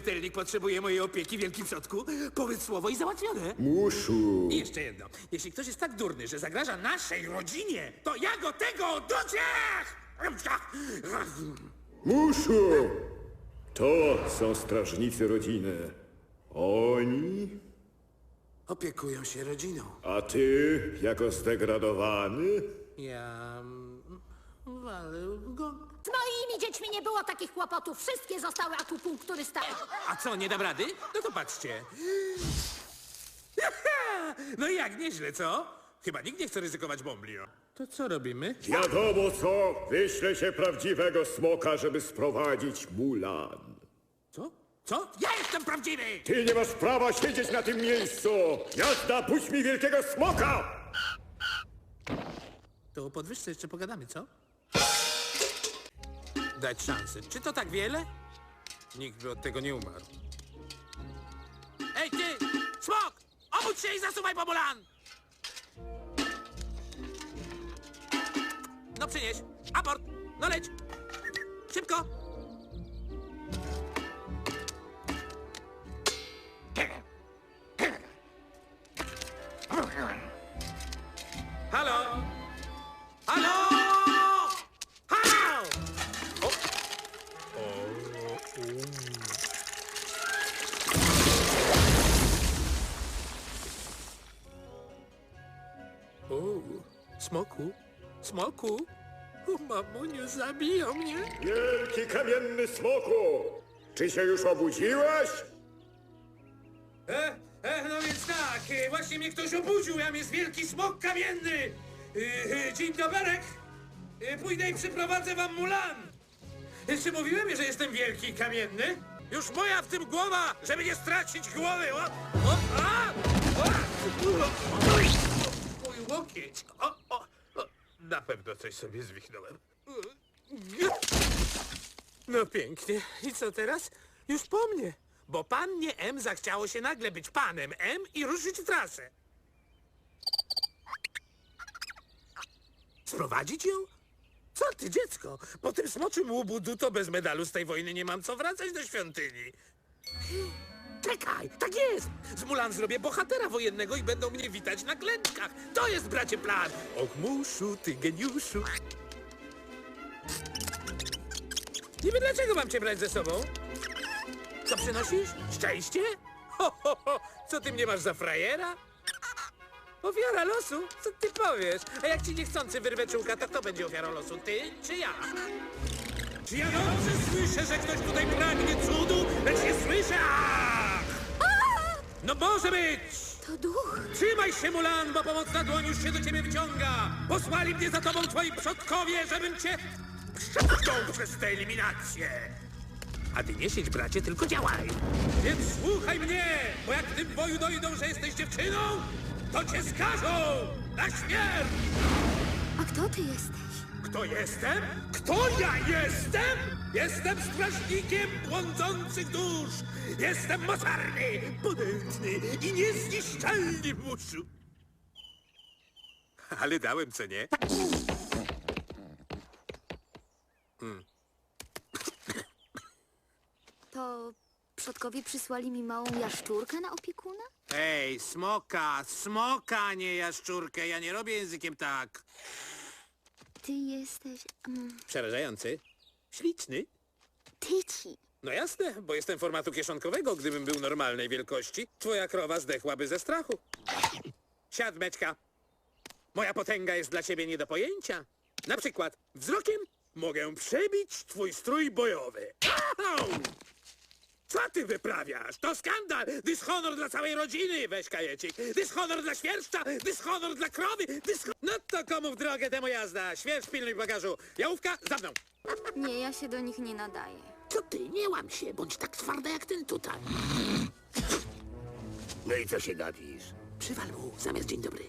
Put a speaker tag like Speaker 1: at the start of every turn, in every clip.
Speaker 1: śmiertelnik potrzebuje mojej opieki, wielki przodku, powiedz słowo i załatwione.
Speaker 2: Muszu.
Speaker 1: I jeszcze jedno. Jeśli ktoś jest tak durny, że zagraża naszej rodzinie, to ja go tego oduczę!
Speaker 2: Muszu! To są strażnicy rodziny. Oni,
Speaker 1: Opiekują się rodziną.
Speaker 2: a ty, jako zdegradowany?
Speaker 1: Ja... walę go...
Speaker 3: Z moimi dziećmi nie było takich kłopotów. Wszystkie zostały akupunkturystały.
Speaker 1: A co, nie dam rady? No to patrzcie. No i jak, nieźle, co? Chyba nikt nie chce ryzykować bomblio. To co robimy?
Speaker 2: Wiadomo co, wyślę się prawdziwego smoka, żeby sprowadzić Mulan.
Speaker 1: Co? Co? Ja jestem prawdziwy!
Speaker 2: Ty nie masz prawa siedzieć na tym miejscu! Jazda, puść mi wielkiego smoka!
Speaker 1: To o podwyżce jeszcze pogadamy, co? Dać szansę. Czy to tak wiele? Nikt by od tego nie umarł. Ej, ty! Smok! Obudź się i zasuwaj po Mulan! No przynieś! Aport! No leć! Szybko! Halo? Halo? Halo? O, smoku? Smoku? O, mamuniu, zabiją mnie.
Speaker 2: Wielki kamienny smoku! Czy się już obudziłeś?
Speaker 1: No więc tak, właśnie mnie ktoś obudził, jam jest wielki smok kamienny. Dzień doberek. Pójdę i przyprowadzę wam Mulan. Czy mówiłem, że jestem wielki i kamienny? Już moja w tym głowa, żeby nie stracić głowy. Mój łokieć. Na pewno coś sobie zwichnąłem. No pięknie. I co teraz? Już po mnie. Bo pannie M zachciało się nagle być panem M i ruszyć w trasę. Sprowadzić ją? Co ty, dziecko? Po tym smoczym łubudu to bez medalu z tej wojny nie mam co wracać do świątyni. Czekaj, tak jest! Z Mulan zrobię bohatera wojennego i będą mnie witać na klęczkach. To jest, bracie, plan! Och, muszu, ty geniuszu. Niby dlaczego mam cię brać ze sobą? Co przynosisz? Szczęście? Ho, ho, ho! Co ty mnie masz za frajera? Ofiara losu? Co ty powiesz? A jak ci niechcący wyrwę czułka, to kto będzie ofiarą losu? Ty czy ja? Czy ja dobrze słyszę, że ktoś tutaj pragnie cudu, lecz nie słyszę? Ach! No może być!
Speaker 3: To duch.
Speaker 1: Trzymaj się, Mulan, bo pomocna dłoń już się do ciebie wyciąga! Posłali mnie za tobą twoi przodkowie, żebym cię przepchnął przez tę eliminację! A ty nie siedź, bracie, tylko działaj! Więc słuchaj mnie, bo jak w tym boju dojdą, że jesteś dziewczyną, to cię skażą na śmierć!
Speaker 3: A kto ty jesteś?
Speaker 1: Kto jestem? Kto ja jestem? Jestem strażnikiem błądzących dusz! Jestem mocarny, potężny i niezniszczalny, muszu! Ale dałem, co nie?
Speaker 3: To przodkowie przysłali mi małą jaszczurkę na opiekuna?
Speaker 1: Ej, smoka, nie jaszczurkę. Ja nie robię językiem tak.
Speaker 3: Ty jesteś...
Speaker 1: Przerażający. Śliczny.
Speaker 3: Tyci.
Speaker 1: No jasne, bo jestem formatu kieszonkowego. Gdybym był normalnej wielkości, twoja krowa zdechłaby ze strachu. Siad, Meczka. Moja potęga jest dla ciebie nie do pojęcia. Na przykład wzrokiem mogę przebić twój strój bojowy. Au! Co ty wyprawiasz? To skandal! Dyshonor dla całej rodziny! Weź kajecik! Dyshonor dla świerszcza! Dyshonor dla krowy! No to komu w drogę temu jazda? Świerszcz, pilnuj bagażu! Jałówka, za mną!
Speaker 3: Nie, ja się do nich nie nadaję.
Speaker 1: Co ty? Nie łam się! Bądź tak twarda jak ten tutaj.
Speaker 4: No i co się gapisz?
Speaker 1: Przywal mu, zamiast dzień dobry.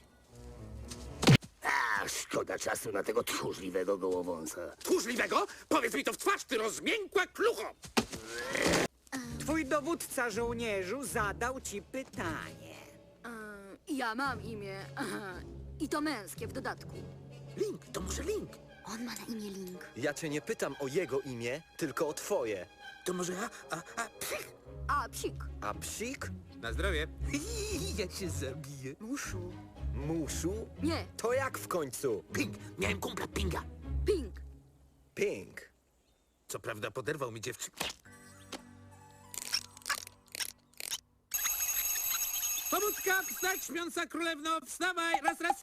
Speaker 4: A, szkoda czasu na tego tchórzliwego gołowąsa.
Speaker 1: Tchórzliwego? Powiedz mi to w twarz, ty rozmiękła klucho!
Speaker 5: Twój dowódca żołnierzu zadał ci pytanie.
Speaker 3: Ja mam imię. I to męskie w dodatku.
Speaker 1: Link, to może Link?
Speaker 3: On ma na imię Link.
Speaker 6: Ja cię nie pytam o jego imię, tylko o twoje.
Speaker 1: To może ja? Psich!
Speaker 3: a psik.
Speaker 5: A psik?
Speaker 1: Na zdrowie.
Speaker 5: Ja cię zabiję.
Speaker 3: Muszu.
Speaker 5: Muszu?
Speaker 3: Nie,
Speaker 5: To jak w końcu?
Speaker 1: Ping! Miałem kumpla Pinga.
Speaker 3: ping.
Speaker 5: Ping.
Speaker 1: Co prawda poderwał mi dziewczynę. Pobudka, wstać, śpiąca królewno, wstawaj, raz.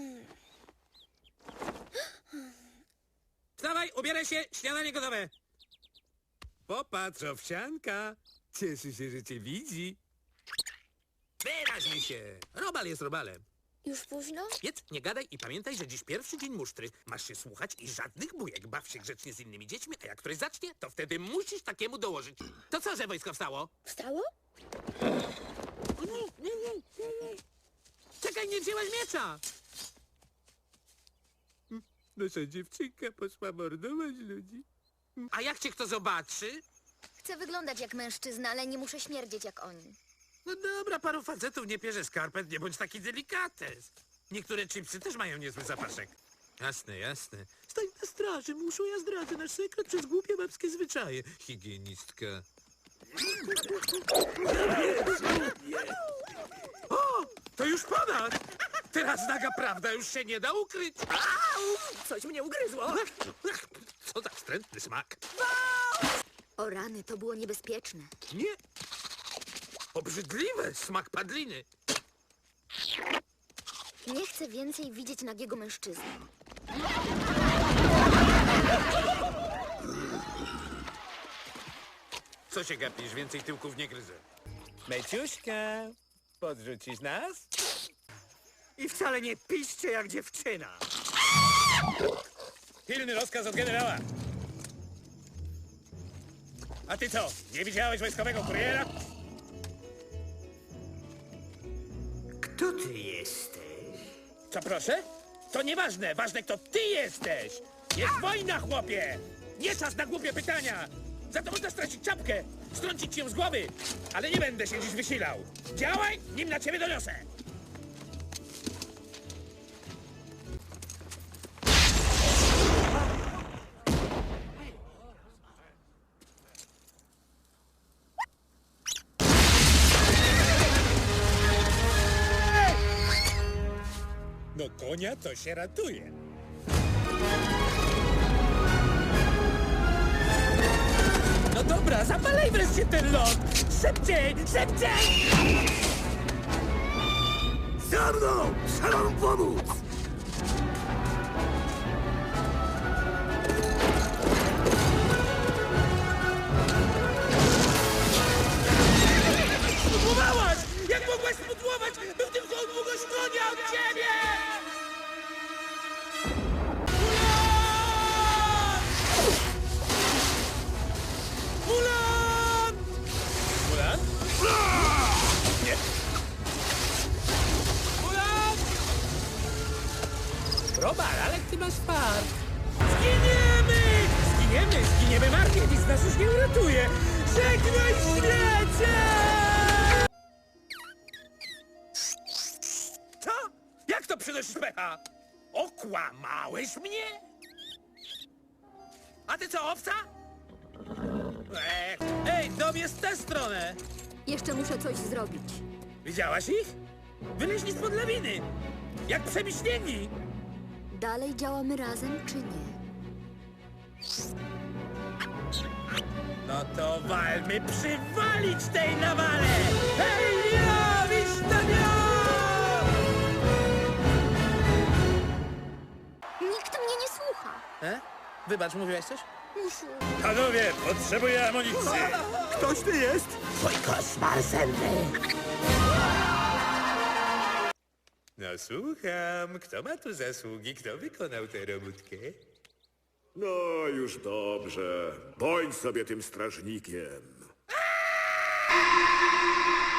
Speaker 1: Wstawaj, ubieraj się, śniadanie gotowe. Popatrz, owsianka. Cieszy się, że cię widzi. Wyraźmy się. Robal jest robalem.
Speaker 6: Już późno?
Speaker 1: Jedz, nie gadaj i pamiętaj, że dziś pierwszy dzień musztry. Masz się słuchać i żadnych bujek. Baw się grzecznie z innymi dziećmi, a jak ktoś zacznie, to wtedy musisz takiemu dołożyć. To co, że wojsko wstało?
Speaker 6: Wstało?
Speaker 1: Czekaj, nie wzięłaś miecza! Nasza dziewczynka poszła mordować ludzi. A jak cię kto zobaczy?
Speaker 6: Chcę wyglądać jak mężczyzna, ale nie muszę śmierdzieć jak oni.
Speaker 1: No dobra, paru facetów nie pierze skarpet, nie bądź taki delikates. Niektóre chipsy też mają niezły zapaszek. Jasne, jasne. Stań na straży, muszą ja zdradzę nasz sekret przez głupie babskie zwyczaje. Higienistka. O, to już ponad! Teraz naga prawda już się nie da ukryć.
Speaker 5: Coś mnie ugryzło.
Speaker 1: Co za wstrętny smak.
Speaker 3: O rany, to było niebezpieczne.
Speaker 1: Nie. Obrzydliwe, smak padliny.
Speaker 6: Nie chcę więcej widzieć nagiego mężczyzny.
Speaker 1: Co się gapisz? Więcej tyłków nie gryzę.
Speaker 7: Meciuśka, podrzucisz nas?
Speaker 5: I wcale nie piszcie jak dziewczyna.
Speaker 1: Pilny rozkaz od generała. A ty co? Nie widziałeś wojskowego kuriera?
Speaker 5: Kto ty jesteś?
Speaker 1: Co proszę? To nieważne. Ważne, kto ty jesteś. Jest wojna, chłopie. Nie czas na głupie pytania. Za to można stracić czapkę. Strącić ci ją z głowy. Ale nie będę się dziś wysilał. Działaj, nim na ciebie doniosę. No konia to się ratuje. No dobra, zapalaj wreszcie ten lot! Szybciej, szybciej!
Speaker 4: Za mną! Trzeba wam pomóc!
Speaker 1: Spudłowałaś! Jak mogłaś spudłować? Był tylko o długość konia od ciebie! Mulan! Mulan? Nie. Mulan! Robal, ale ty masz fart. Zginiemy! Zginiemy marnie, nic nas już nie uratuje. Żegnaj świecie! Co? Jak to przynosisz pecha? Okłamałeś mnie? A ty co, owca? Ej, dom jest w tę stronę!
Speaker 3: Jeszcze muszę coś zrobić.
Speaker 1: Widziałaś ich? Wyleźli spod lawiny! Jak przemiśnieni!
Speaker 3: Dalej działamy razem, czy nie?
Speaker 1: No to walmy przywalić tej nawale! Hej, ja, wisztanio!
Speaker 6: Nikt mnie nie słucha.
Speaker 1: Wybacz, mówiłaś coś?
Speaker 6: Muszu.
Speaker 1: Panowie, potrzebuję amunicji!
Speaker 5: Ktoś ty jest?
Speaker 4: Twój koszmar senny!
Speaker 7: No słucham, kto ma tu zasługi, kto wykonał tę robótkę?
Speaker 2: No już dobrze. Bądź sobie tym strażnikiem.